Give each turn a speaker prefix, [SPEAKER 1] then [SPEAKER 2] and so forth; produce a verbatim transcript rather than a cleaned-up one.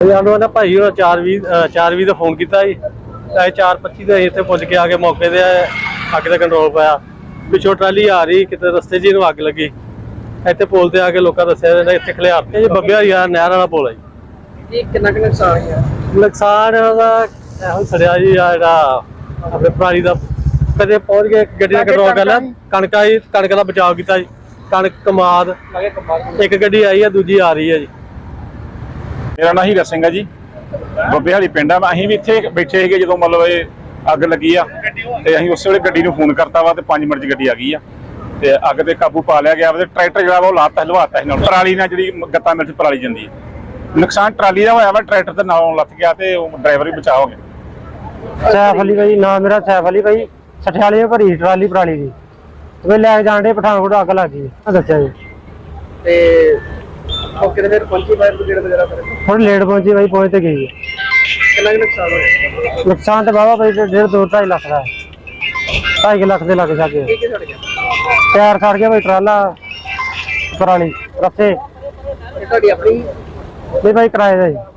[SPEAKER 1] ਸਾਨੂੰ ਨਾ ਭਾਈ ਉਹ ਚਾਰ ਵੀਹ ਚਾਰ ਵੀਹ ਦਾ ਫੋਨ ਕੀਤਾ ਜੀ। ਚਾਰ ਪੱਚੀ ਦੇ ਇੱਥੇ ਪੁੱਜ ਕੇ ਆ ਕੇ ਮੌਕੇ ਤੇ ਅੱਗ ਦਾ ਕੰਟਰੋਲ ਪਾਇਆ। ਪਿੱਛੋਂ ਟਰਾਲੀ ਆ ਰਹੀ ਕਿਤੇ ਰਸਤੇ 'ਚ ਇਹਨੂੰ ਅੱਗ ਲੱਗੀ। ਇੱਥੇ ਪੁਲ ਤੇ ਆ ਕੇ ਲੋਕਾਂ ਦੱਸਿਆ ਇੱਥੇ ਖਲਿਆਰ ਤੇ ਜੀ ਬੱਬਿਆ ਯਾਰ ਨਹਿਰ ਵਾਲਾ ਪੁਲ ਹੈ ਜੀ।
[SPEAKER 2] ਇਹ ਕਿੰਨਾ ਕੁ ਨੁਕਸਾਨ ਹੈ?
[SPEAKER 1] ਨੁਕਸਾਨ ਉਹਦਾ ਇਹੋ ਸੜਿਆ ਜੀ ਆ ਜਿਹੜਾ ਆਪਣੇ ਪਰਾਲੀ ਦਾ ਕਦੇ ਪਹੁੰਚ ਕੇ ਗੱਡੀ ਦਾ ਕੰਟਰੋਲ ਕਰ ਲਿਆ। ਕਣਕਾਂ ਜੀ ਕਣਕ ਦਾ ਬਚਾਅ ਕੀਤਾ ਜੀ। ਕਣਕ ਕਮਾਦ ਇੱਕ ਗੱਡੀ ਆਈ ਹੈ ਦੂਜੀ ਆ ਰਹੀ ਹੈ ਜੀ।
[SPEAKER 3] ਮੇਰਾ ਨਾਂ ਹੀਰਾ ਸਿੰਘ ਹੈ ਜੀ। ਬੱਬੇ ਵਾਲੀ ਪਿੰਡ ਆ। ਅਸੀਂ ਵੀ ਇੱਥੇ ਬੈਠੇ ਸੀਗੇ ਜਦੋਂ ਮਤਲਬ ਇਹ ਅੱਗ ਲੱਗੀ ਆ ਤੇ ਅਸੀਂ ਉਸੇ ਵੇਲੇ ਗੱਡੀ ਨੂੰ ਫੋਨ ਕਰਤਾ ਵਾ ਤੇ ਪੰਜ ਮਿੰਟ 'ਚ ਗੱਡੀ ਆ ਗਈ ਆ ਤੇ ਅੱਗ ਤੇ ਕਾਬੂ ਪਾ ਲਿਆ ਗਿਆ। ਤੇ ਟਰੈਕਟਰ ਜਿਹੜਾ ਵਾ ਉਹ ਲਾਤਾ ਹਲਵਾਤਾ ਸੀ ਨਾਲ ਪਰਾਲੀ ਨਾਲ ਜਿਹੜੀ ਗੱਤਾ ਮਿਲ 'ਚ ਪਰਾਲੀ ਜਾਂਦੀ ਹੈ। ਨੁਕਸਾਨ ਟਰਾਲੀ ਦਾ ਹੋਇਆ ਵਾ, ਟਰੈਕਟਰ ਦੇ ਨਾਲੋਂ ਲੱਥ ਗਿਆ ਤੇ ਉਹ ਡਰਾਈਵਰ ਵੀ ਬਚਾਅ ਹੋ ਗਿਆ।
[SPEAKER 4] ਸੈਫ ਅਲੀ ਭਾਈ ਨਾਮ ਮੇਰਾ ਸੈਫ ਅਲੀ ਭਾਈ। ਸਠਿਆਲੇ ਭਰੀ ਟਰਾਲੀ ਪਰਾਲੀ ਦੀ ਵੇ ਲੈ ਜਾਣ ਦੇ ਪਠਾਨਕੋਟ ਅੱਗ ਲੱਗ ਗਈ ਦੱਸਿਆ ਜੀ।
[SPEAKER 2] ਤੇ ਮੌਕੇ ਤੇ ਫਿਰ ਪਹੁੰਚੀ ਫਾਇਰ ਬ੍ਰਿਗੇਡ ਵਗੈਰਾ ਫਿਰ
[SPEAKER 4] ਹੁਣ ਲੇਟ ਪਹੁੰਚੀ ਭਾਈ, ਪਹੁੰਚ ਤੇ ਗਈ।
[SPEAKER 2] ਕਿੰਨਾ ਕੁ ਨੁਕਸਾਨ ਹੋਇਆ?
[SPEAKER 4] ਨੁਕਸਾਨ ਤਾਂ ਬਾਬਾ ਭਾਈ ਡੇਢ ਦੋ ਢਾਈ ਲੱਖ ਦਾ ਢਾਈ ਲੱਖ ਦੇ ਲੱਗ ਜਾ ਕੇ
[SPEAKER 2] ਕੀ ਕੀ ਸੜ ਗਿਆ?
[SPEAKER 4] ਟਾਇਰ ਸੜ ਗਿਆ ਭਾਈ, ਟਰਾਲਾ ਪਰਾਲੀ ਰਸਤੇ
[SPEAKER 2] ਇਹ ਤੁਹਾਡੀ ਆਪਣੀ
[SPEAKER 4] ਨਹੀਂ ਭਾਈ ਕਿਰਾਏ ਦਾ ਜੀ।